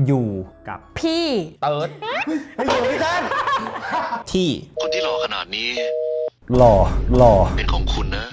อยู่กับพี่เติร์ดอยู่พี่ท่านที่คนที่หล่อขนาดนี้หล่อเป็นของคุณนะ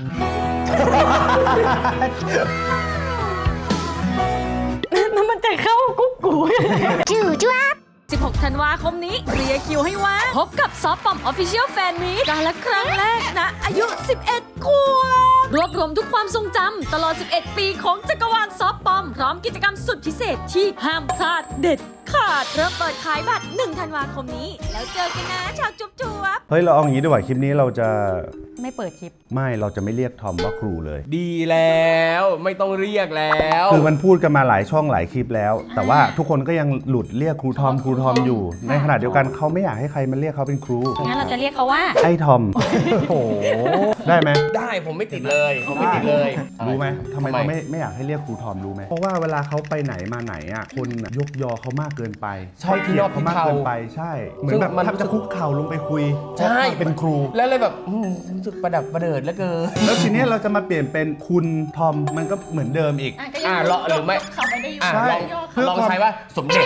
นั่นมันจะเข้ากุ๊กกูจู่จ้า16 ธันวาคมนี้เคลียร์คิวให้ว่างพบกับซอฟต์ปอม Official Fan Meet การละครั้งแรกนะอายุ 11 ขวบรวบรวมทุกความทรงจำตลอด 11 ปีของจักรวาลซอฟต์ปอมพร้อมกิจกรรมสุดพิเศษที่ห้ามพลาดเด็ดขาดเริ่มเปิดขายบัตร 1 ธันวาคมนี้แล้วเจอกันนะชาวจุ๊บจุ๊บเฮ้ยเราเอาอย่างนี้ดีกว่าคลิปนี้เราจะไม่เปิดคลิปไม่เราจะไม่เรียกทอมว่าครูเลยดีแล้วไม่ต้องเรียกแล้วคือมันพูดกันมาหลายช่องหลายคลิปแล้วแต่ว่าทุกคนก็ยังหลุดเรียกครูทอมอยู่ในขณะเดียวกันเขาไม่อยากให้ใครมาเรียกเขาเป็นครูงั้นเราจะเรียกเขาว่าไอ้ทอมโอ้ได้ไหมได้ผมไม่ติดเลยรู้ไหมทำไมเขาไม่อยากให้เรียกครูทอมรู้ไหมเพราะว่าเวลาเขาไปไหนมาไหนอ่ะคนยกยอเขามากเกินไปใช่ที่นอกเขามากเกินไปใช่เหมือนแบบถ้าจะคุกเข่าลงไปคุยใช่เป็นครูแล้วเลยแบบรู้สึกประดับประเดิดแล้วเกินแล้วทีนี้เราจะมาเปลี่ยนเป็นคุณทอมมันก็เหมือนเดิมอีกรอหรือไม่ลองใช้ว่าสมเด็จ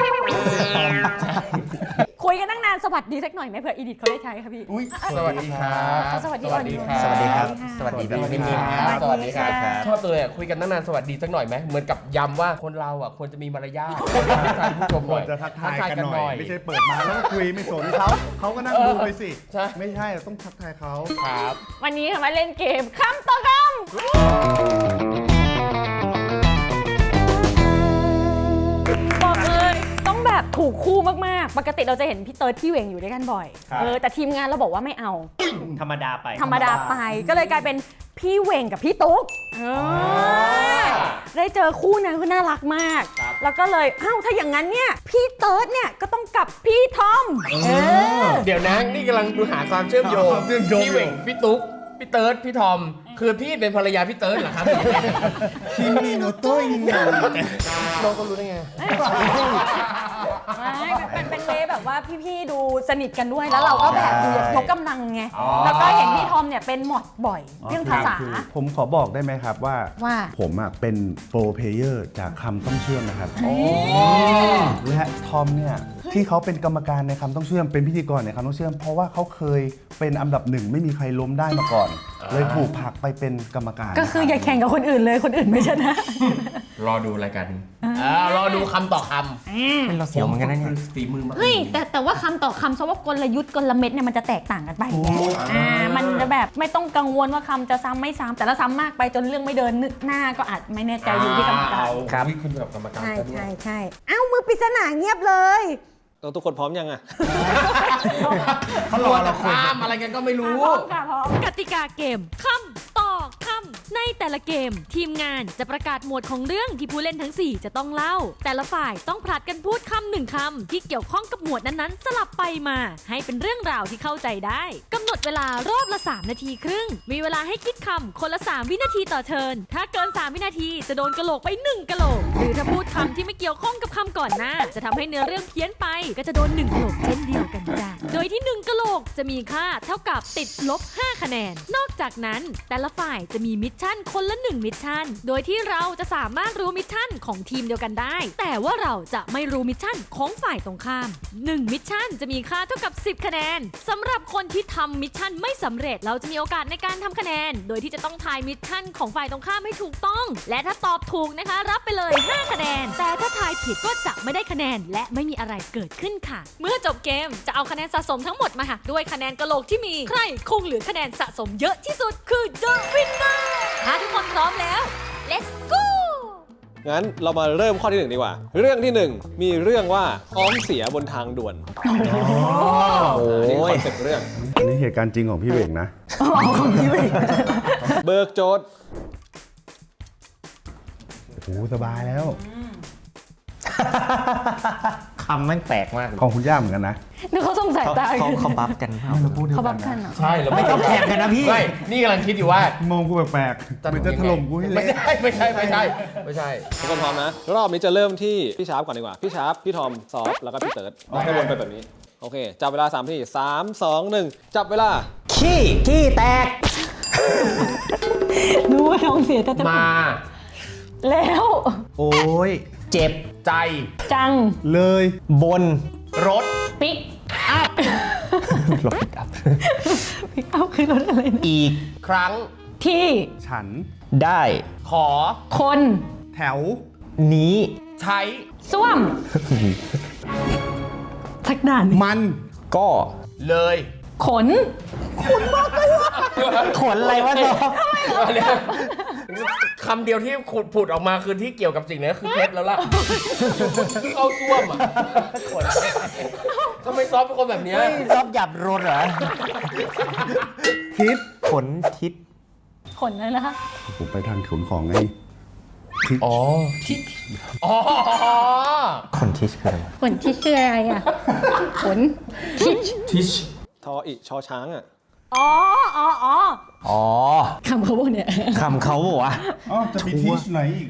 คุยกันตั้งนานสวัสดีสักหน่อยไหมเผื่ออีดิทเขาได้ใช้ค่ะพี่สวัสดีครับสวัสดีครับสวัสดีครับสวัสดีแบบนิ่มๆสวัสดีครับชอบเลยคุยกันตั้งนานสวัสดีสักหน่อยไหมเหมือนกับย้ำว่าคนเราอ่ะควรจะมีมารยาทผู้ชมหน่อยจะทักทายกันหน่อยไม่ใช่เปิดมาแล้วก็คุยไม่สนเขาก็นั่งดูไปสิไม่ใช่ต้องทักทายเขาครับวันนี้มาเล่นเกมคำต่อคำบอกเลยต้องแบบถูกคู่มากๆปกติเราจะเห็นพี่เติร์ดพี่เหวงอยู่ด้วยกันบ่อยแต่ทีมงานเราบอกว่าไม่เอาธรรมดาไปก็เลยกลายเป็นพี่เหวงกับพี่ตุ๊กได้เจอคู่นั้นคือน่ารักมากแล้วก็เลยถ้าอย่างนั้นเนี่ยพี่เติร์ดเนี่ยก็ต้องกับพี่ทอมเดี๋ยวนะนี่กำลังดูหาความเชื่อมโยงพี่เหวงพี่ตุ๊กพี่เติร์ดพี่ทอมคือพี่เป็นภรรยาพี่เติร์ดเหรอครับคิมิโนโตะอินนาน้องก็รู้ได้ไงเป็นเวแบบว่าพี่ๆดูสนิทกันด้วยแล้วเราก็แบบดูยกกำลังไงแล้วก็เห็นพี่ทอมเนี่ยเป็นหมดบ่อยเรื่องภาษาผมขอบอกได้ไหมครับว่าผมเป็นโปรเพลเยอร์จากคำต้องเชื่อมนะครับและทอมเนี่ยที่เขาเป็นกรรมการในคำต้องเชื่อมเป็นพิธีกรในคำต้องเชื่อมเพราะว่าเขาเคยเป็นอันดับ1ไม่มีใครล้มได้มาก่อนเลยถูกผลักไปเป็นกรรมการก็คืออย่าแข่งกับคนอื่นเลยคนอื่นไม่ชนะรอดูรายการนี้รอดูคำต่อคำเป็นเราเสียวเหมือนกันนะเนี่ยฝีมือเฮ้ยแต่ว่าคำต่อคำเพราะว่ากลยุทธ์กลเม็ดเนี่ยมันจะแตกต่างกันไปมันจะแบบไม่ต้องกังวลว่าคำจะซ้ำไม่ซ้ำแต่ละซ้ำมากไปจนเรื่องไม่เดินนึกหน้าก็อาจไม่แน่ใจอยู่ที่กรรมการครับคุณแบบกรรมการใช่มือปริศนาเงียบเลยทุกคนพร้อมยังอ่ะเขารอเราคุยอะไรกันก็ไม่รู้พร้อมกติกาเกมคำต่อคำในแต่ละเกมทีมงานจะประกาศหมวดของเรื่องที่ผู้เล่นทั้ง4จะต้องเล่าแต่ละฝ่ายต้องผลัดกันพูดคำ1คำที่เกี่ยวข้องกับหมวดนั้นๆสลับไปมาให้เป็นเรื่องราวที่เข้าใจได้กำหนดเวลารอบละ3 นาทีครึ่งมีเวลาให้คิดคำคนละ3 วินาทีต่อเทิร์นถ้าเกิน3 วินาทีจะโดนกะโหลกไป1กะโหลกหรือถ้าพูดคำที่ไม่เกี่ยวข้องกับคำก่อนหน้าจะทำให้เนื้อเรื่องเพี้ยนไปก็จะโดน1กะโหลกเช่นเดียวกันจ้ะโดยที่1กะโหลกจะมีค่าเท่ากับติดลบ5 คะแนนนอกจากนั้นแต่ละฝ่ายจะมีมิชชั่นคนละ1มิชชั่นโดยที่เราจะสามารถรู้มิชชั่นของทีมเดียวกันได้แต่ว่าเราจะไม่รู้มิชชั่นของฝ่ายตรงข้าม1มิชชั่นจะมีค่าเท่ากับ10 คะแนนสำหรับคนที่ทำมิชชั่นไม่สำเร็จเราจะมีโอกาสในการทำคะแนนโดยที่จะต้องทายมิชชั่นของฝ่ายตรงข้ามให้ถูกต้องและถ้าตอบถูกนะคะรับไปเลย5 คะแนนแต่ถ้าทายผิดก็จะไม่ได้คะแนนและไม่มีอะไรเกิดขึ้นค่ะเมื่อจบเกมจะเอาคะแนนสะสมทั้งหมดมาหักด้วยคะแนนกะโหลกที่มีใครคงเหลือคะแนนสะสมเยอะที่สุดคือ The Winner ถ้าทุกคนพร้อมแล้ว Let's go งั้นเรามาเริ่มข้อที่1ดีกว่าเรื่องที่1มีเรื่องว่าท้องเสียบนทางด่วนนี่คอนเซ็ปต์เรื่องอันนี้เหตุการณ์จริงของพี่เหวงนะของพี่เหวงเบิกโจทย์โอ้สบายแล้วคำมันแปลกมากของคุณย่าเหมือนกันนะนึกเขาสงสัยตาเขาบัฟกันเขาบัฟกันใช่เราไม่ต้องแข่งกันนะพี่นี่กำลังคิดอยู่ว่ามองกูแปลกๆมันจะถล่มกูให้เละไม่ใช่ทุกคนพร้อมนะรอบนี้จะเริ่มที่พี่ชาร์ปก่อนดีกว่าพี่ชาร์ปพี่ทอมซอฟแล้วก็พี่เติร์ดให้วนไปแบบนี้โอเคจับเวลา3 นาที3 2 1จับเวลาขี้แตกรู้ว่าท้องเสียแต่มาแล้วโอ้ยเจ็บใจจังเลยบนรถปิ๊กรถปิกอัพปิ๊กเอาคือรถอะไรนะอีกครั้งที่ฉันได้ขอคนแถวนี้ใช้ส้วมสักด่านหนึ่งมันก็เลยขนขนอะไรวะซอฟคำเดียวที่ผุดออกมาคือที่เกี่ยวกับสิ่งนี้คือเพชรแล้วล่ะ เข้าซ่วมอ่ะทำไมซอฟเป็นคนแบบเนี้ยซอฟหยับรถเหรอทิศขนทิศขนอะไรนะคะผมไปทางขนของไงทิศอ๋ออ๋อขนทิศคืออะไรวะขนที่คืออะไรอ่ะ ขนทิชทิชทออิชอช้างอ่ะอ๋ออ๋อคำเขาบอกเนี่ยคำเขาบอกว่าอ๋อจะมีทิศไหนอีก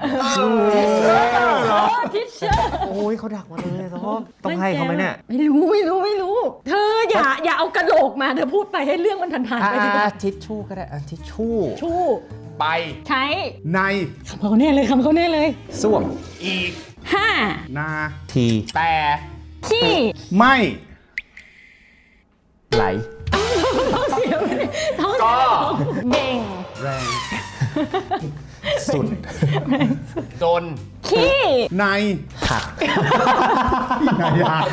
ทิชเชอร์โอ้ยเขาดักมาเลยซอฟต้องให้เขาไหมเนี่ยไม่รู้ เธออย่าเอากระโหลกมาเธอพูดไปให้เรื่องมันผ่านๆไปดีกว่าทิชชู่ก็ได้ทิชชู่ชู่ไปใช้ในคำเขาแน่เลยส้วมอีกนาทีแต่ที่ไม่ไหลท้องเสียไปเลยท้องเสีก็ยเบ่งแรงสุดจนขี้ในหักนายา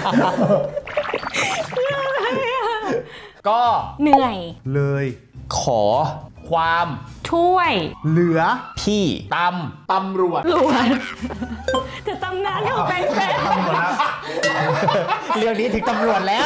ก็เหนื่อยเลยขอความช่วยเหลือพี่ตำรวจหลวดจะตำนานของแฟนเรื่องนี้ถึงตำรวจแล้ว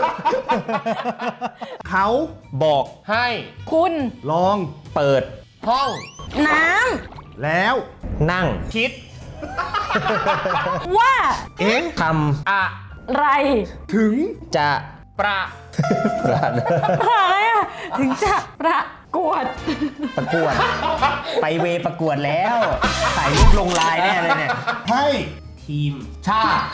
เขาบอกให้คุณลองเปิดห้องน้แล้วนั่งคิดำว่าเอ๊ะทไรถึงำจะประประอะไรอ่ะถึงจะประกวดประกวด ไปเวประกวดแล้วถ่ายรูปลงไลน์แน่เลยเนี่ยให้ทีม ชาติ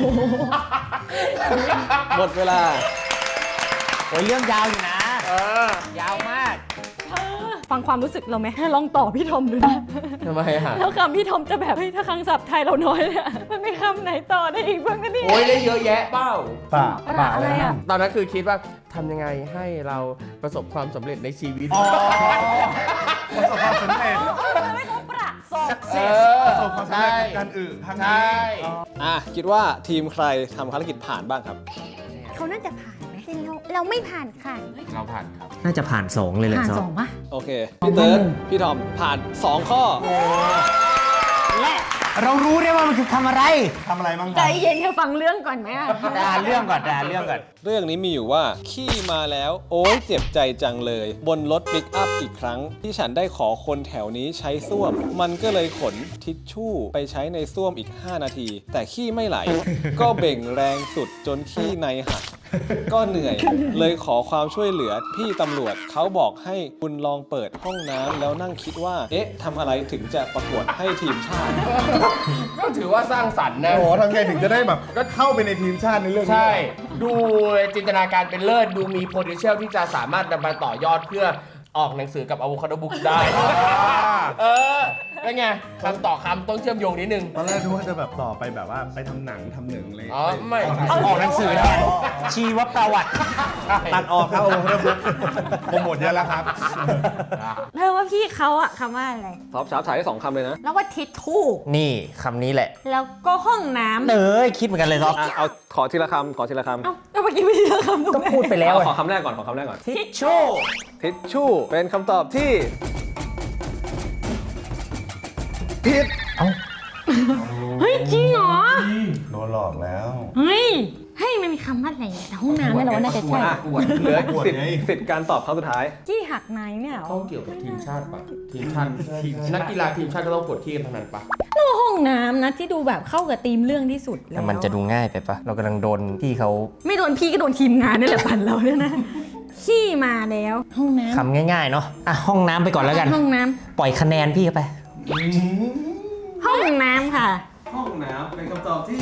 หมดเวลาโอ้ยเรื่องยาวอยู่นะ ยาวมากฟังความรู้สึกเราไหมลองต่อพี่ทอมดูนะทำไมฮะแล้วคำพี่ทอมจะแบบเฮ้ยถ้าคำศัพท์ไทยเราน้อยเนี่ยมันไม่คำไหนต่อได้อีกบ้างนะเนี่ยโอ้ยได้เยอะแยะเป้าป่าป่าอะไรอ่ะตอนนั้นคือคิดว่าทำยังไงให้เราประสบความสำเร็จในชีวิตประสบความสำเร็จไม่ต้องประสบประสบความสำเร็จกับการครั้งใช่นี้คิดว่าทีมใครทำภารกิจผ่านบ้างครับเขาน่าจะผ่านไหมเราไม่ผ่านค่ะเราผ่านครับน่าจะผ่าน2เลยแหละผ่านซอสฟองปะโอเค พี่เติร์ดพี่ทอมผ่าน 2 ข้อและเรารู้ได้ว่ามันคือทำอะไรทำอะไรบ้างคใจรับเย็นแค่ฟังเรื่องก่อนไหมอะด่าเรื่องก่อนด่าเรื่องก่อนเรื่องนี้มีอยู่ว่าขี้มาแล้ว โอ๊ยเจ็บใจจังเลย บนรถปิกอัพอีกครั้ง ที่ฉันได้ขอคนแถวนี้ใช้ส้วม มันก็เลยขนทิชชู่ไปใช้ในส้วมอีก 5 นาที แต่ขี้ไม่ไหล ก็เบ่งแรงสุดจนขี้ในหัก ก็เหนื่อย เลยขอความช่วยเหลือพี่ตำรวจเขาบอกให้คุณลองเปิดห้องน้ำแล้วนั่งคิดว่า เอ๊ะทำอะไรถึงจะประกวดให้ทีมชาติก็ถือว่าสร้างสรรค์นะโอ้โหทำไงถึงจะได้แบบก็เข้าไปในทีมชาติในเรื่องนี้ใช่ ดูจินตนาการเป็นเลิศ ดูมี potential ที่จะสามารถนำมาต่อยอดเพื่อออกหนังสือกับ Avocado Book ได้ เป็นไงคำต่อคำต้องเชื่อมโยงนิดนึงตอนแรกนึกว่าจะแบบต่อไปแบบว่าไปทำหนังทำหนึ่งเลยอ๋อ ไม่ออกหนังสือแทนชีวประวัติตัดออกครับโอ้โหโปรโมทเยอะแล้วครับเธอว่าพี่เขาอะคำว่าอะไรซอฟชาร์ปถ่ายได้ 2 คำเลยนะแล้วว่าทิชชู่นี่คำนี้แหละแล้วก็ห้องน้ำเอ้ยคิดเหมือนกันเลยซอฟเอาขอทีละคำขอทีละคำเอ้าแล้วเมื่อกี้ไม่ได้เลือกคำถูกก็ไหมพูดไปแล้วขอคำแรกก่อนขอคำแรกก่อนทิชชู่ทิชชู่เป็นคำตอบที่ผิดเฮ้ยจริงเหรอโดนหลอกแล้วเฮ้ยมันมีคำว่าอะไรอะแต่ห้องน้ำเนี่ยเราว่าน่าจะใช่เหลือปวดสิทไงธิ์การตอบครั้งสุดท้ายจี้หักในเนี่ยเหรอต้องเกี่ยวกับทีมชาติปะทีมชาตินักกีฬาทีมชาติก็ต้องปวดขี้กันทั้งนั้นปะแล้วห้องน้ำนะที่ดูแบบเข้ากับธีมเรื่องที่สุดแล้วแต่มันจะดูง่ายไปปะเรากำลังโดนพี่เขาไม่โดนพี่ก็โดนทีมงานนี่แหละปั่นเราเนี่ยนะขี้มาแล้วห้องน้ำคำง่ายๆเนาะอ่ะห้องน้ำไปก่อนแล้วกันห้องน้ปล่อยคะแนนพี่เข้าไปำห้องน้ำค่ะห้องน้ำเป็นคำตอบที่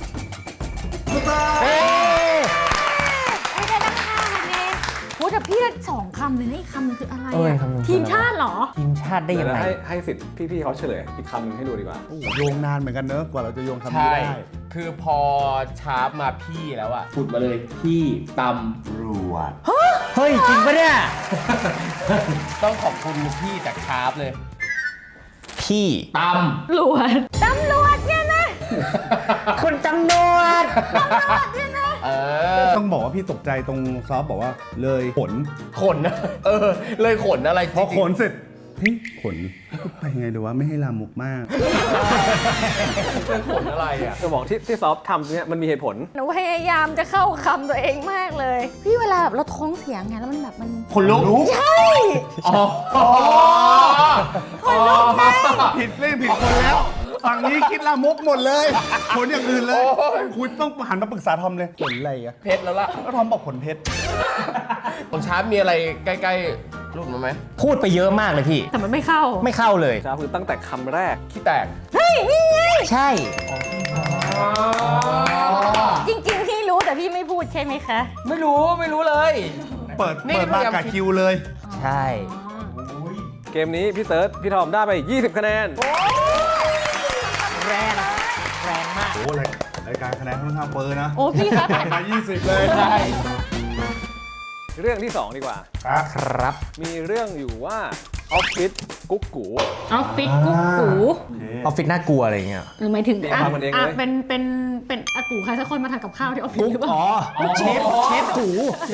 ไม่ได้ตั้ง5 คะแนนโหแต่พี่ 2 คำเลยนะอีกคำนึงคืออะไรเอ้ยอะคำนึงคืออะไรทีมชาติเหรอทีมชาติได้ยังไงให้สิทธิ์พี่ๆเขาเฉลยอีกคำหนึงให้ดูดีกว่าโอ้โหโยงนานเหมือนกันเนอะกว่าเราจะโยงคำนี้ใช่ได้คือพอชาร์ปมาพี่แล้วอะพูดมาเลยพี่ตรวดเฮ้ย จริงปะเนี่ยำต้องขอบคุณพี่จากชาร์ปเลยพี่ตหลวดตำรวจเนี่ยนะคุณตำรวจำต้องบอกว่าพี่ตกใจตรงซอฟบอกว่าเลยขนขนนะเลยขนอะไรพอขนเสร็จเฮ้ยขนไปไงดีวะไม่ให้ลามกมากเลยขนอะไรอะจะบอกที่ซอฟทำเนี่ยมันมีเหตุผลหนูพยายามจะเข้าคำตัวเองมากเลย พี่เวลาแบบเราท้องเสียงไงแล้วมันแบบมันขนลุกใช่ผิดเล่นผิดคนแล้วฝั่งนี้คิดลามกหมดเลยขนอย่างอื่นเลยคุณต้องหันมาปรึกษาทอมเลยขนอะไรอะเพชรแล้วล่ะแล้วทอมบอกขนเพชรของชาร์ปมีอะไรใกล้ๆรูปมาไหมพูดไปเยอะมากเลยพี่แต่มันไม่เข้าไม่เข้าเลยจ้าคือตั้งแต่คำแรกขี้แตกใช่จริงๆพี่รู้แต่พี่ไม่พูดใช่ไหมคะไม่รู้เลยเปิดนี่มาพยายามกับคิวเลยใช่เกมนี้พี่เติร์ดพี่ทอมได้ไป 20 คะแนนแรงมากโอ้รายการคะแนนค่อนข้างเปิดนะโอ้พี่คะมา 20 เลยใช่เรื่องที่ 2 ดีกว่าครับครับมีเรื่องอยู่ว่าออฟฟิศกุ๊กกูออฟฟิศกุ๊กกูออฟฟิศน่ากลัวอะไรอย่างเงี้ยหรือหมายถึงเดี๋ยวฟังมันเองเลยเป็นอากูใครสักคนมาทำกับข้าวที่ออฟฟิศกุ๊กหรือเปล่าอ๋อ เชฟกู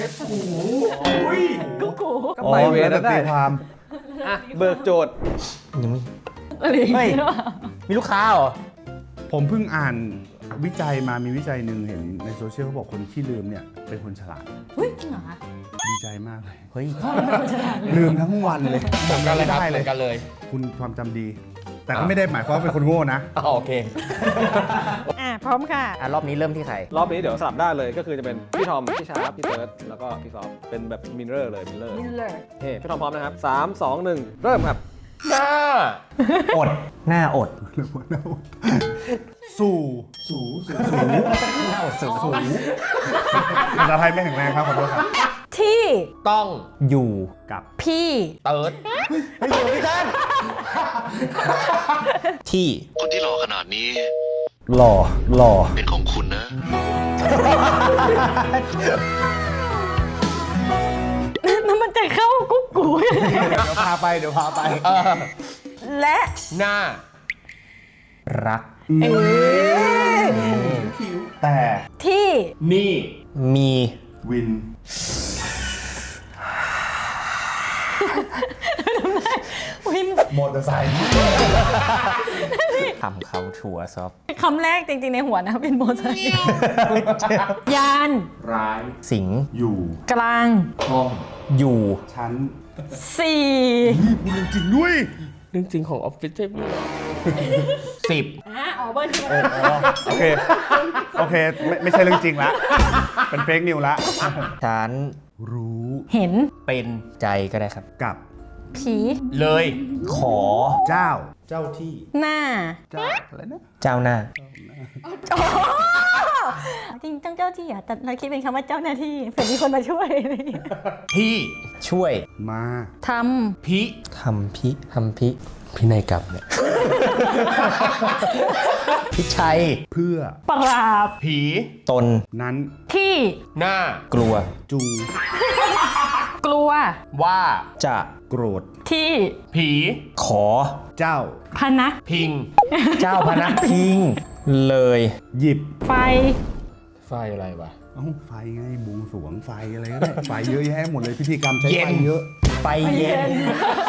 กุ๊กกูก็ไปเวรแล้วได้ตีความอ่ะเบิกโจทย์ยังไม่อะไรอย่างเฮ้ยเงี้ยมีลูกค้าเหรอผมเพิ่งอ่านวิจัยมามีวิจัยหนึ่งเห็นในโซเชียลเขาบอกคนขี้ลืมเนี่ยเป็นคนฉลาดเฮ้ยจริงเหรอคะดีใจมากเลยเฮ้ยลืมทั้งวันเลยเหมือนกันเลยครับได้เหเลมือย นกันเลยคุณความจำดี แต่ก็ไม่ได้หมายความว่าเป็นคนโง่นะโอเคพร้อมค่ะรอบนี้เริ่มที่ใครรอบนี้เดี๋ยวสลับได้เลยก็คือจะเป็นพี่ทอม พี่ชาร์ปพี่เติร์ดแล้วก็พี่ซอฟเป็นแบบมินเลอร์เลยมินเลอร์มินเลอร์เฮ้พี่ทอมพร้อมนะครับ 3 2 1 เริ่มครับหน้าอด หน้าอดสู่หน้าอดสูงภาษาไทยไม่แข็งแรงครับขอโทษครับที่ต้องอยู่กับพี่เติร์ดที่คนที่หล่อขนาดนี้หล่อเป็นของคุณนะแล้วมันจะเข้ากุ๊กกูเดี๋ยวพาไปและหน้ารักแต่ที่นี่มีวินวินมอเตอร์ไซค์ทำเขาถั่วซอฟคำแรกจริงๆในหัวนะเป็นโมไซค์ยานร้ายสิงอยู่กลางห้องอยู่ชั้นสี่พูดจริงด้วยเรื่องจริงของออฟฟิศใช่ไหมอ๋อเบอร์ที่โอเค ไม่ใช่เรื่องจริงละ เป็นเฟกนิวละฉันรู้เห็นเป็นใจก็ได้ครับกับผีเลยขอเจ้า เจ้าที่หน้าเจ้าอะไรนะเจ้าหน้าจริงต้องเจ้าที่อ่ะแต่เราคิดเป็นคำว่าเจ้าหน้าที่เผื่อมีคนมาช่วยอะไรอย่างเงี้ยพี่ช่วยมาทพิทำพินัยกรรมเนี่ย พิชัยเพื่อำปราบผีตนนั้นที่หน้ากลัวจูงกลัวว่าจะโกรธที่ผีขอเจ้าพนะพิงเจ้าพนักพิง เลยหยิบไฟไฟอะไรวะเอ้าไฟไงบวงสรวงไฟอะไรก็ได้ ไฟเยอะแยะหมดเลยพิธีกรรมใช้เย็ไฟนเยอะไฟเย็น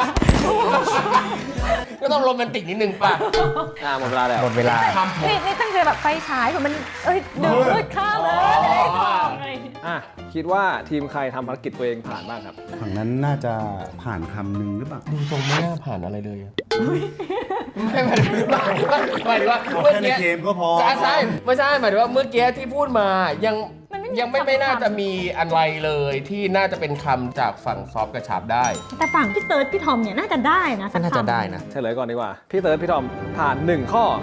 ก็ต้องโรแมนติกนิดนึงป่ะหมดเวลาแล้วหมดเวลาคำผมนี่ตั้งใจแบบไฟฉายผมมันดึงมืดข้ามเลยจะได้ส่องอะไรอย่างเงี้ยอ่ะ คิดว่าทีมใครทำภารกิจตัวเองผ่านบ้างครับฝั่งนั้นน่าจะผ่านคำหนึ่งหรือเปล่าดูทรงไม่น่าผ่านอะไรเลยอะไม่หมายถึงว่าเอาเมื่อแค่ในกี้เกมก็พอใช่ไม่ใช่หมายถึงว่าเมื่อกี้ที่พูดมายังไม่น่าจะมีอะไรเลยที่น่าจะเป็นคำจากฝั่งซอฟต์กระชับได้แต่ฝั่งพี่เติร์ดพี่ทอมเนี่ยน่าจะได้นะสักน่าจะคำได้นะเฉลยก่อนดีกว่า พี่เติร์ดพี่ทอมผ่าน 1 ข้อ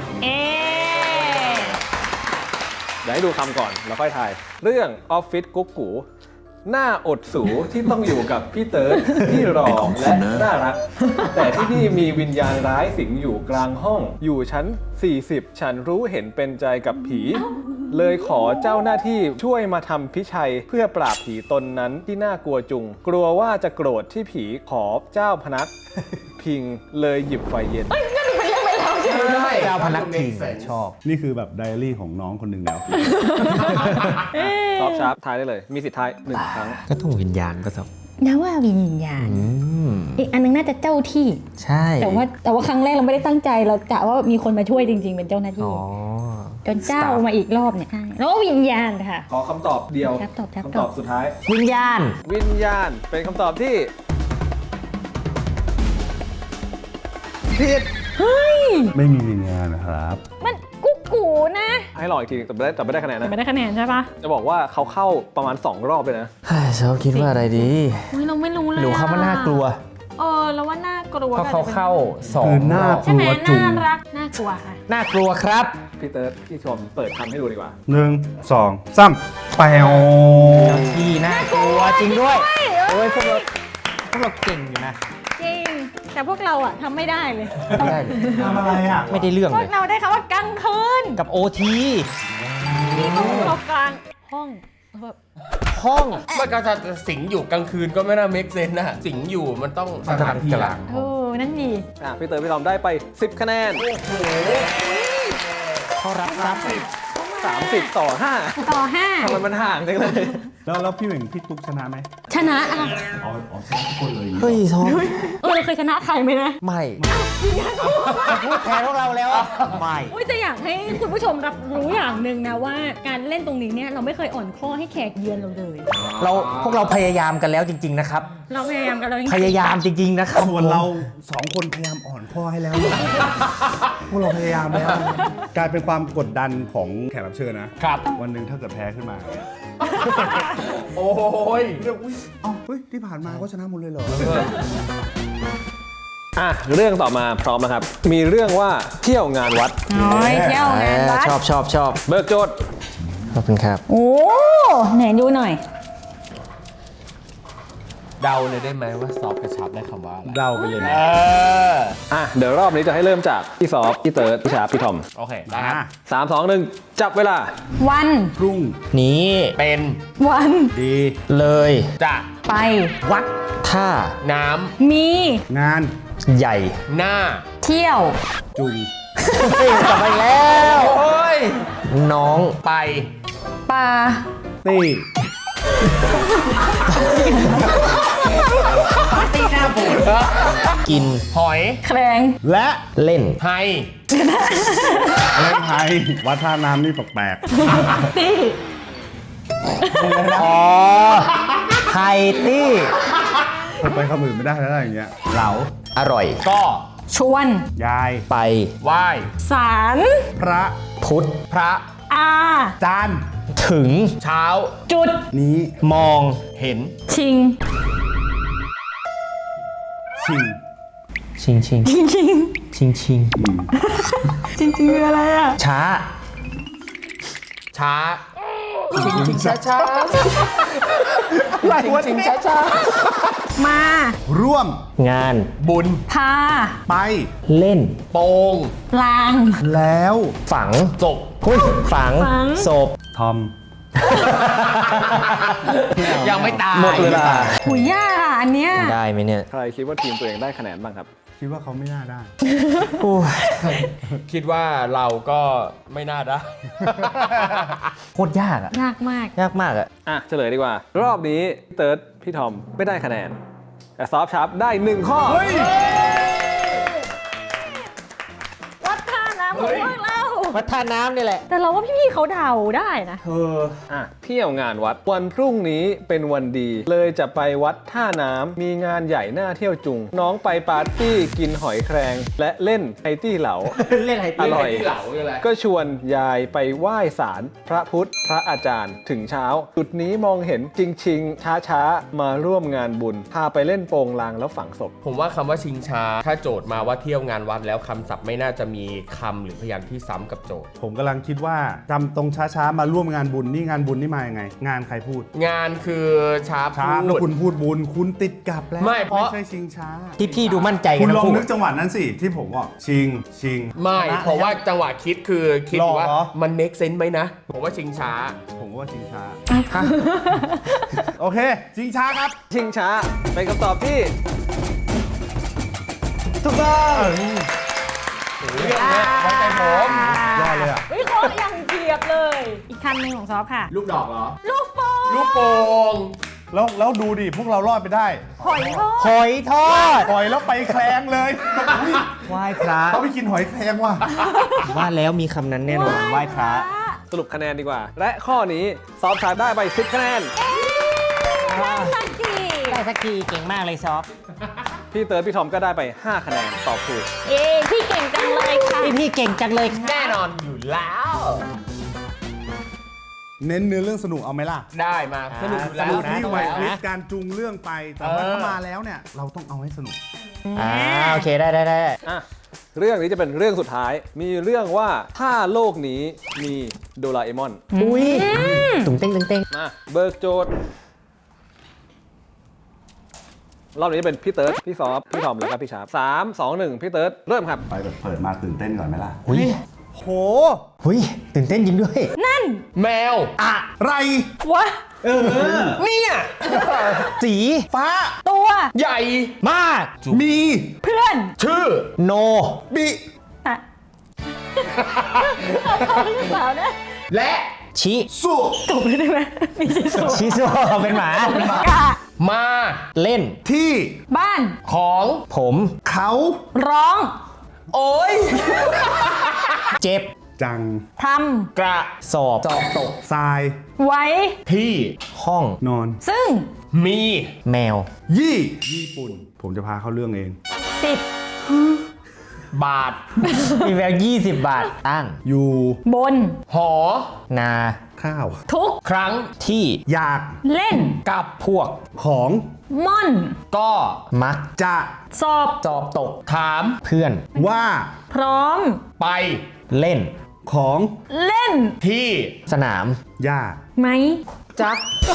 เอ๊ะเดี๋ยวให้ดูคำก่อนแล้วค่อยทาย เรื่องออฟฟิศกุ๊กกูหน้าอดสูที่ต้องอยู่กับพี่เติร์ดที่หล่อและน่ารัก แต่ที่นี่มีวิญญาณร้ายสิงอยู่กลางห้อง อยู่ชั้น 40 ฉันรู้เห็นเป็นใจกับผี เลยขอเจ้าหน้าที่ช่วยมาทำพิชัยเพื่อปราบผีตนนั้นที่น่ากลัวจุง กลัวว่าจะโกรธที่ผีขอเจ้าพนัก พิงเลยหยิบไฟเย็นเจ้าพนักพิงชอบนี่คือแบบไดอารี่ของน้องคนหนึ่งแล้วตอบชาร์ปทายได้เลย มีสิทธิ์ทาย1 ครั้งก็ต้องวิญญาณก็สอบนะว่าวิญญาณ อีกอันนึงน่าจะเจ้าที่ใช่แต่ว่าครั้งแรกเราไม่ได้ตั้งใจเรากะว่ามีคนมาช่วยจริง ๆ เป็นเจ้าหน้าที่อ๋อจนเจ้ามาอีกรอบเนี่ยใช่แล้วก็วิญญาณค่ะขอคำตอบเดียวครับตอบครับคำตอบสุดท้ายวิญญาณวิญญาณเป็นคำตอบที่ผิดไม่มีวิญญาณนะครับมันกุ๊กกูนะให้ลองอีกทีแต่ไม่ได้คะแนนนะไม่ได้คะแนนใช่ปะจะบอกว่าเขาเข้าประมาณ 2 รอบเลยนะชอบคิดว่าอะไรดีเราไม่รู้เลยหนูคำว่าน่ากลัวแล้วว่าน่ากลัวเพราะเขาเข้าสอคืงอน่ารอบกลัวจุงน่ารักน่ากลัวค่ะน่ากลัวครับพี่เติร์ดพี่ชมเปิดคำให้ดูดีกว่า 1 2 3แปวเจ้าที่น่ากลัวจริงด้วยโอ้ยพวกเราเก่งอยู่นะจริง แต่พวกเราอะทำไม่ได้เลยไม่ได้เลยทำอะไรอ่ะไม่ได้เรื่องพวเลกยเราได้คำว่ากลางคืนกับโอทีนี่ก็พวกเรากลางห้องแบบห้องมันก็จะสิงอยู่กลางคืนก็ไม่น่าเมคเซนนะสิงอยู่มันต้องสถานที่กลางนั่นดีพี่เติร์ดพี่ทอมได้ไป 10 คะแนนเขารับทรัพย์ 30 ต่อ 5 ต่อห้าทำไมมันห่างจังเลยแล้วพี่เหม่งพี่ตุ๊กชนะไหมชนะอะอ๋อชนะทุกคนเลยเฮ้ยทอมเราเคยชนะใครไหมนะไม่พูดแทนพวกเราแล้วอะไม่อุ้ยแต่อยากให้คุณผู้ชมรับรู้อย่างหนึ่งนะว่าการเล่นตรงนี้เนี่ยเราไม่เคยอ่อนข้อให้แขกเยือนเราเลยพวกเราพยายามกันแล้วจริง ๆ นะครับเราพยายามกันเราพยายามจริง ๆ นะครับส่วนเรา2 คนพยายามอ่อนข้อให้แล้ว พวกเราพยายามแล้ว กลายเป็นความกดดันของแขกรับเชิญนะครับ วันหนึ่งถ้าเกิดแพ้ขึ้นมาเนี่ยโอ้ยเรื่องอุ้ยเฮ้ยที่ผ่านมาก็ชนะหมดเลยเหรอเรื่องต่อมาพร้อมนะครับ มีเรื่องว่าเที่ยวงานวัดน้อยเที่ยวงานวัดชอบเบิกโจทย์ขอบคุณครับโอ้ไหนดูหน่อยเดาเลยได้ไหมว่าซอฟต์กระชับได้คำว่าอะไรเดาไปเลยนะเดี๋ยวรอบนี้จะให้เริ่มจากพี่ซอฟพี่เติร์ดพี่ชาร์ปพี่ทอมโอเคได้ครับ 3 2 1 จับเวลาวันพรุ่งนี้เป็นวันดีเลยจะไปวัดท่าน้มีงานใหญ่ำหน้าเที่ยวจุงกลับไปแล้วโอ้ยน้องไปปลาตี้กินหอยแครงและเล่นไฮเล่นไทยวัดท่าน้ำนี่แปลกตี้อ๋อไฮตี้ๆไปคำอื่นไม่ได้แล้วอย่างเงี้ยเหลาอร่อยก็ชวนยายไปไหว้สารพระพุทธพระอาจานถึงเช้าจุดนี้มองเห็นชิงชิงชิงชิงชิงชิงจริงคืออะไรอ่ะช้าช้าชิงช้าช้าชิงช้าช้ามาร่วมงานบุญพาไปเล่นโปงลางแล้วฝังศพหุ้ยฝังฝังศพทอมยังไม่ตายหมดเวลาหุยยากอ่ะอันเนี้ยได้ไหมเนี่ยใครคิดว่าทีมตัวเองได้คะแนนบ้างครับคิดว่าเขาไม่น่าได้โอ้ยคิดว่าเราก็ไม่น่าได้โคตรยากอะยากมากยากมากอะเฉลยดีกว่า รอบนี้พี่เติร์ดพี่ทอมไม่ได้คะแนน แต่ซอฟชาร์ปได้ 1 ข้อวัดท่าน้ำของพวกเราวัดท่าน้ำนี่แหละแต่เราว่าพี่ๆเขาเดาได้นะเที่ยวงานวัดวันพรุ่งนี้เป็นวันดี เลยจะไปวัดท่าน้ำมีงานใหญ่น่าเที่ยวจุง น้องไปปาร์ตี้กินหอยแครงและเล่นไอตี้เหลาเล่นไฮอตี้ร่อยที่เหลาคืออะไรก็ชวนยายไปไหว้ศาลพระพุทธพระอาจารย์ถึงเช้า จุดนี้มองเห็นจริงๆ ช้าๆ มาร่วมงานบุญ พาไปเล่นโปงลางแล้วฝังศพผมว่าคำว่าชิงช้า ถ้าโจทย์มาว่าเที่ยวงานวัดแล้วคำศัพท์ไม่น่าจะมีคำหรือพยางค์ที่ซ้ำกับกับโจทย์ผมกำลังคิดว่าจำตรงช้าๆมาร่วมงานบุญนี่งานบุญนี่มายังไง งานใครพูดงานคือช้าช้าพูแล้วดคุณพูดบุญคุณติดกลับแล้วไม่เพราะใช่ชิงช้าพี่ดูมั่นใจคุกัณนลนะองพูดนึกจังหวะนั้นสิที่ผมบอกชิงไม่เพราะว่าจังหวะคิดคือคิดหรอว่ามันเมคเซนส์ไหมนะผมว่าชิงช้าผมว่าชิงช้าโอเคชิงช้าครับชิงช้าเป็นคำตอบที่ถูกต้องเรื่องเนี้ยไว้ใจผมยอดเลยอ่ะวิเคราะห์อย่างเฉียบเลย อีกคำหนึ่งของซอฟค่ะลูกดอกเหรอลูกโป่งลูกโป่งแล้วดูดิพวกเรารอดไปได้หอยทอดหอยทอดปล่อยแล้วไปแคลงเลยอุ๊ยไหว้พระเขาไปกินหอยแคลงว่ะว่าแล้วมีคำนั้นแน่นอนไหว้พระสรุปคะแนนดีกว่า และข้อนี้ซอฟชาร์จได้ไป10คะแนนสักทีได้สักทีเก่งมากเลยซอฟพี่เติร์ดพี่ทอมก็ได้ไป5คะแนนตอบถูกเอ้พี่เก่งจังเลยค่ะพี่เก่งจังเลยค่ะแน่นอนอยู่แล้วเน้นเนื้อเรื่องสนุกเอาไหมล่ะได้มาสนุกอยู่สแล้วนุกที่ไหวพริบนะการจูงเรื่องไป แต่ว่าถ้ามาแล้วเนี่ย เราต้องเอาให้สนุกโอเคได้อ่ะ เรื่องนี้จะเป็นเรื่องสุดท้าย มีเรื่องว่าถ้าโลกนี้มีโดราเอมอนอุ้ยตุ้งเต้งมาเบิกโจทย์ รอบนี้จะเป็นพี่เติร์ดพี่ซอฟพี่ทอมแล้วก็พี่ชาร์ป3 2 1พี่เติร์ดเริ่มครับไปแบบเปิดมาตื่นเต้นก่อนไหมล่ะอุ้ยโหอุ้ยตื่นเต้นจริงด้วยนั่นแมวไรวะเนี่ยสีฟ้าตัวใหญ่มากมีเพื่อนชื่อโนบิอะเอาหรือเปล่านะและชิสุตบเลยได้ไหมมีชิโซชิโซเป็นหมากะมาเล่นที่บ้านของผมเขาร้องโอ้ยเจ็บจังทกระสอบตกทรายำ ไว้ที่ห้องนอนซึ่งมีแมวญี่ปุ่น ผมจะพาเข้าเรื่องเอง 10 บาทมีแวว20 บาท ตั้งอยู่บนหอนาข้าวทุกครั้งที่อยากเล่นกับพวกของม่อนก็มักจะสอบสอบตกถามเพื่อนว่าพร้อมไปเล่นของเล่นที่สนามย่าไหมจัก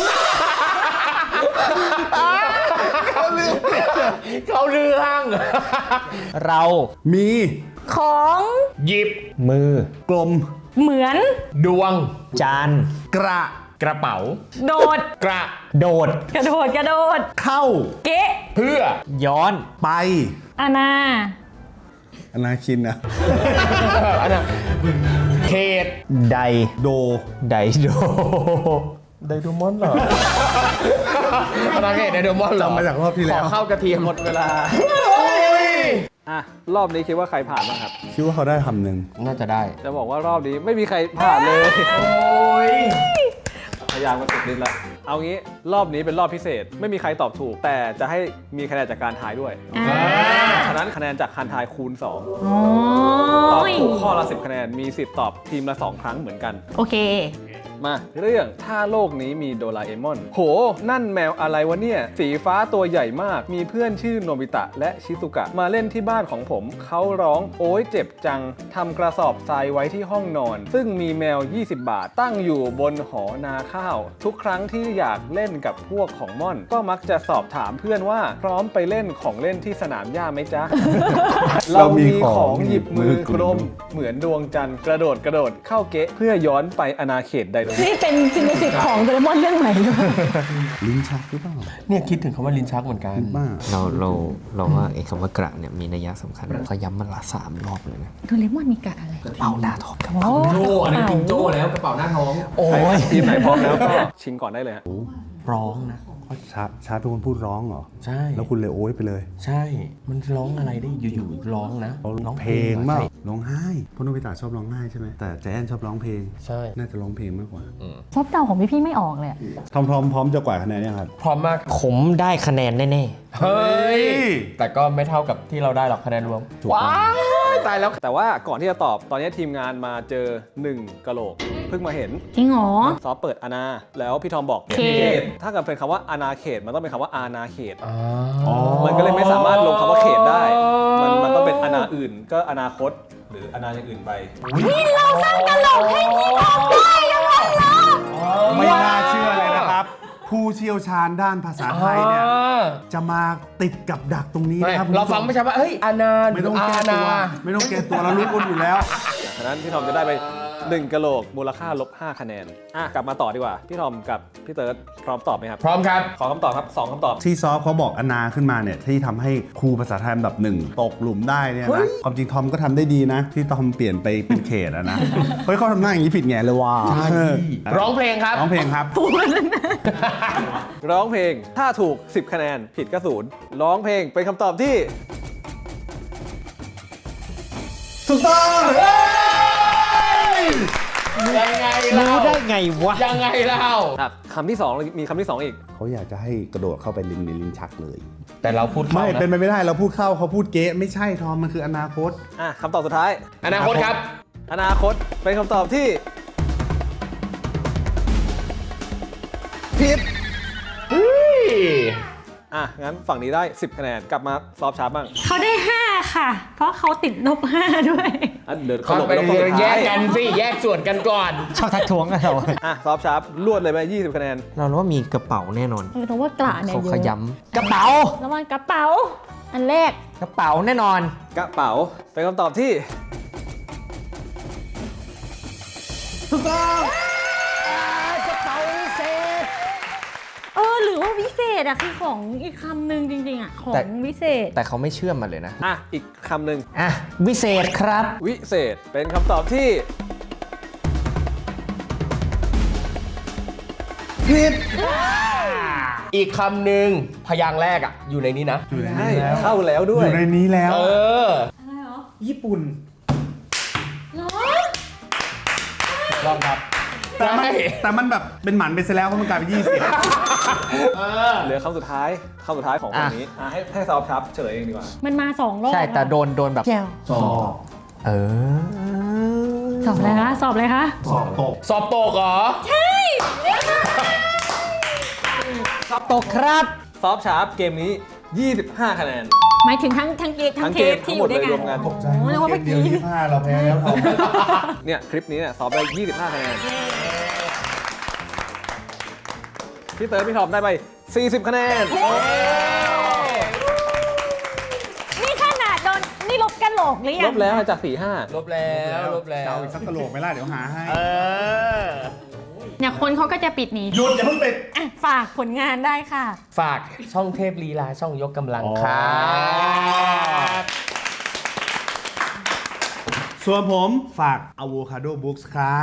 เขาเรื่องเรามีของหยิบมือกลมเหมือนดวงจานกระกระเป๋าโดดกระโดดกระโดด กระโดดเข้าเกะเพื่อย้อนไปอาณาอนาคินนะอันน่ะเขตไดโดไดโดไดโดมอนเหรออันนั้นเขตไดโดมอนเหรอจำมาจากรอบที่แล้วขอเข้ากระเทียมหมดเวลา อ่ะ รอบนี้คิดว่าใครผ่านบ้างครับคิดว่าเขาได้คำหนึ่งน่าจะได้จะบอกว่ารอบนี้ไม่มีใครผ่านเลยโอ้ยพยายามมาติดลิ้นละเอางี้รอบนี้เป็นรอบพิเศษ ไม่มีใครตอบถูก แต่จะให้มีคะแนนจากการทายด้วย ฉะนั้นคะแนนจากการทายคูณ 2 โอ้ตอบยถูกข้อละ10 คะแนน มีสิทธิ์ตอบทีมละ 2 ครั้งเหมือนกันโอเคมาเรื่องถ้าโลกนี้มีโดราเอมอน โห นั่นแมวอะไรวะเนี่ย สีฟ้าตัวใหญ่มาก มีเพื่อนชื่อโนบิตะและชิซุกะ มาเล่นที่บ้านของผม เขาร้องโอ๊ยเจ็บจัง ทำกระสอบทรายไว้ที่ห้องนอน ซึ่งมีแมว 20 บาท ตั้งอยู่บนหอนาข้าว ทุกครั้งที่อยากเล่นกับพวกของม่อน ก็มักจะสอบถามเพื่อนว่าพร้อมไปเล่นของเล่นที่สนามหญ้าไหมจ๊ะ เรามีของหยิบมือกลม เหมือนดวงจันทร์กระโดดเข้าเกะเพื่อย้อนไปอาณาเขตไดโนนี่เป็นซินสิตของโดเรมอนเรื่องใหม่ด้วยลิ้นชักหรือเปล่าเนี่ยคิดถึงคำว่าลิ้นชักเหมือนกันบ้าเราว่าไอ้คำว่ากระเนี่ยมีนัยสำคัญเขาย้ำมันละ3 รอบเลยนะโดเรมอนมีกะอะไรเป่าหน้าทองโอ้โจ้อันนั้นกินโจ้แล้วกระเป๋าหน้าท้องโอ้ยทีมไหนพร้อมแล้วก็ชิงก่อนได้เลยฮะร้องนะชาเป็นคนพูดร้องเหรอใช่แล้วคุณเลยโอ้ยไปเลยใช่ มันร้องอะไรได้อยู่ๆร้องนะเขาร้องเพลงมากร้องไห้เพราะโนบิตะชอบร้องไห้ใช่ไหมแต่แจนชอบร้องเพลงใช่น่าจะร้องเพลงมากกว่าซบเดาของพี่ไม่ออกเลยอะทอมพร้อมจะกวาดคะแนนยังครับพร้อมมากผมได้คะแนนแน่เฮ้ย แต่ก็ไม่เท่ากับที่เราได้หรอกคะแนนรวมถูกต้องว้ายตายแล้วแต่ว่าก่อนที่จะตอบตอนนี้ทีมงานมาเจอ1กะโหลก เพิ่งมาเห็นจริงเหรอซอฟเปิดอาณาแล้วพี่ทอมบอกเขตถ้าเกิดเป็นคำว่าอาณาเขตมันต้องเป็นคำว่าอาณาเขตอ๋อมันก็เลยไม่สามารถลงคำว่าเขตได้ มันต้องเป็นอาณาอื่นก็อนาคตหรืออนาอย่างอื่นไปนี่เราสร้างตลกให้พี่ทอมได้ยังไงล่ะไม่น่าเชื่อเลยนะครับ ผู้เชี่ยวชาญด้านภาษาไทยเนี่ยจะมาติดกับดักตรงนี้นะครับเราฟังไม่ใช่ว่าเฮ้ยอานาไม่ต้องแก้ตัวไม่ต้องแก้ตัวเรารู้กันอยู่แล้วฉะนั้นพี่ทอมจะได้ไป1กะโหลกมูลค่า-5 คะแนนกลับมาต่อดีกว่าพี่ทอมกับพี่เติร์ดพร้อมตอบไหมครับพร้อมครับขอคำตอบครับ2คำตอบที่ซอฟเขาบอกอนาขึ้นมาเนี่ยที่ทำให้ครูภาษาไทยอันดับหนึ่งตกหลุมได้เนี่ยนะความจริงทอมก็ทำได้ดีนะ ที่ทอมเปลี่ยนไปเป็นเขตอะนะ เฮ้ยเขาทำหน้าอย่างนี้ผิดไงเลยว่ะร้องเพลงครับร้องเพลงครับร้องเพลงถ้าถูก10 คะแนนผิดก็0ร้องเพลงเป็นคำตอบที่ถูกต้องยังไงเล่ารู้ได้ไงวะยังไงเล่าคำที่2มีคำที่2อีกเขาอยากจะให้กระโดดเข้าไปลิ้นในลิ้นชักเลยแต่เราพูดเข้าไม่นะเป็นไปไม่ได้เราพูดเข้าเขาพูดเก๊ะไม่ใช่ทอมมันคืออนาคตคำตอบสุดท้ายอนาคตครับอนาคตเป็นคำตอบที่ผิด งั้นฝั่งนี้ได้10 คะแนนกลับมาซอฟต์ชาร์ปบ้างเขาได้ 5 ค่ะ เพราะเขาติดลบ 5 ด้วยเดินเขาเขาหลบไปไปลบฝั่งสุดแยท้ายกกันสิ แยกส่วนกันก่อนชอบทักท้วงกันเราซอฟต์ชาร์ปรวดเลยไป20 คะแนนเรารู้ว่ามีกระเป๋าแน่นอนแต่ว่ากระเนี่ยเขาเยขอะย้ำกระเป๋าระวังกระเป๋า อันแรกกระเป๋าแน่นอนกระเป๋าเป็นคำตอบที่ถูกต้องกระเป๋าวิเศษหรือว่าวิเศษอะคือของอีกคำหนึ่งจริงๆอะของวิเศษแต่เขาไม่เชื่อมมันเลยนะอีกคำหนึ่งวิเศษครับวิเศษเป็นคำตอบที่ผิดอีกคำหนึ่งพยางค์แรกอยู่ในนี้นะอยู่ในใช่นี้แล้วเข้าแล้วด้อวยยู่ในนี้แล้วญี่ปุ่นลองครับแต่มันแบบเป็นหมันไปซะแล้วเพราะมันกลายเป็น20 เหลือคำสุดท้ายของวันนี้ให้ซอฟต์ชาร์ปเฉลยเองดีกว่ามันมา2 รอบใช่ แต่โดนแบบแก้วเออสอบอะไรคะ สอบอะไรคะสอบตกสอบตกเหรอตกครับซอฟต์ชาร์ปเกมนี้ 25 คะแนนหมายถึงทั้งเกมทั้งเทปที่อยู่ด้วยกันทั้งหมดเลยรวมกันตกใจโอ้แล้วว่าเกเมื่อมเดียวกี้ 25เราแพ้แล้วทอมเนี่ยคลิปนี้เนี่ยซอฟต์ได้ 25 คะแนนพี่เติร์ดพี่ทอมได้ไป 40 คะแนนนี่ขนาดโดนนี่ลบกันโหลกหรือยัลงบแล้วจาก 4-5 ลบแล้วลบแล้วเอาอีกสักกะโหลกไหมล่ะเดี๋ยวหาให้เนี่ยคนเขาก็จะปิดหนีหยุดอย่าเพิ่งปิดฝากผลงานได้ค่ะฝากช่องเทพลีลาช่องยกกำลังครับส่วนผมฝาก Avocado Books ครับ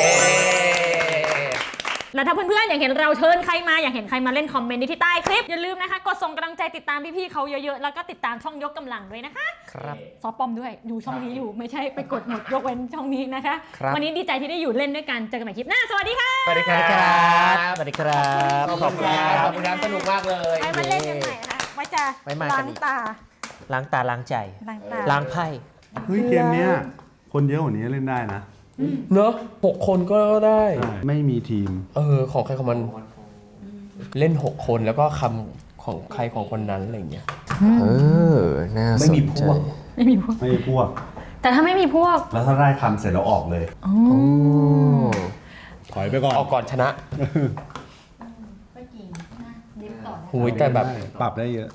แล้วถ้าเพื่อนๆอยากเห็นเราเชิญใครมาอยากเห็นใครมาเล่นคอมเมนต์ที่ใต้คลิป อย่าลืมนะคะกดส่งกำลังใจติดตามพี่ๆเขาเยอะๆ แล้วก็ติดตามช่องยกกำลังด้วยนะคะครับซอฟปอมด้วยดูช่องนี้อยู่ไม่ใช่ไปกดหมดยกเว้นช่องนี้นะคะครับวันนี้ดีใจที่ได้อยู่เล่นด้วยกันเจอกันใหม่คลิปหน้าสวัสดีค่ะสวัสดีครับสวัสดีครับขอบคุณครับขอบคุณครับสนุกมากเลยไปมาเล่นกันใหม่นะคะไว้จะไว้มากันล้างอีกตาล้างตาล้างใจล้างตาล้างไพ่เฮ้ยเกมเนี้ยคนเยอะกว่านี้เล่นได้นะเนอะ6 คนก็ได้ไม่มีทีมของใครของมันเล่น 6 คนแล้วก็คำของใครของคนนั้นอะไรอย่างเงี้ยน่าไม่สนมีพใจวกไม่มีพวกไม่มีพวกแต่ถ้าไม่มีพวกแล้วถ้าได้คำเสร็จแล้วออกเลยโอ้ถอยไปก่อนออกก่อนชนะ หูยแต่แบบปรับได้เยอะ